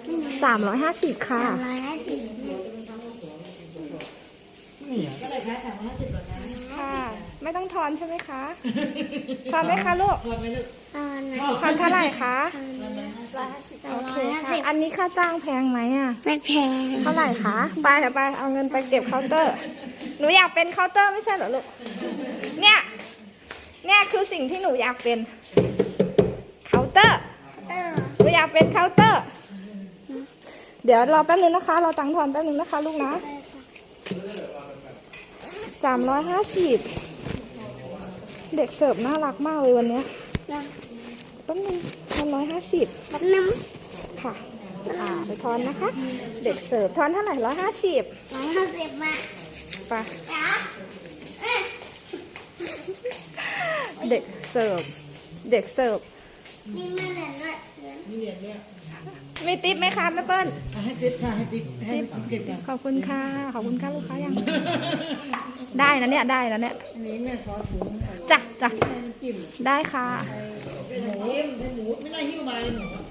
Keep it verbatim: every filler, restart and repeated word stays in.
สามร้อยห้าสิบค่ะสามร้อยห้าสิบก็เลยคะสามร้อยห้าสิบหรอคะค่ะ ไม่ต้องทอนใช่ไหมคะ ทอนไหมคะลูกทอนไหมลูกตอนนะทอนเท่าไหร่คะร้อยห้าสิบโอเคร้อยห้าค่ะสิบอันนี้ค่าจ้างแพงไหมอ่ะไม่แพงเท่าไหร่คะไปเดี๋ยวไปเอาเงินไปเก็บเคาน์เตอร์ หนูอยากเป็นเคาน์เตอร์ไม่ใช่เหรอลูก เนี่ย เนี่ยคือสิ่งที่หนูอยากเป็น เคาน์เตอร์เตอร์หนูอยากเป็นเคาน์เตอร์ เดี๋ยวรอแป๊บนึงนะคะ เราตังค์ทอนแป๊บนึงนะคะลูกนะ สามร้อยห้าสิบ เด็กเสิร์ฟน่ารักมากเลยวันเนี้ยนะแป๊บนึงทอนร้อยห้าสิบแป๊บนึงค่ะ อ่าไปทอนนะคะ เด็กเสิร์ฟทอนเท่าไหร่ร้อยห้าสิบร้อยห้าสิบมาไปจ้าเอ๊ะเด็กเสิร์ฟ เด็กเสิร์ฟมีเงินเหรียญด้วยเหรียญนี่เรียนเนี่ยมีติ๊บไหมคะแม่เปิ้ลให้ติ๊บค่ะให้ติ๊บให้ติ๊บเก็บกันขอบคุณค่ะ ขอบคุณค่ะลูกค้ายัง ได้นะเนี่ย ได้นะเนี่ยอันนี้แม่ขอถุงจ้ะจ้ะให้น้ำจิ้มได้ค่ะหมูให้หมูไม่น่าหิ้วมาเลยหนู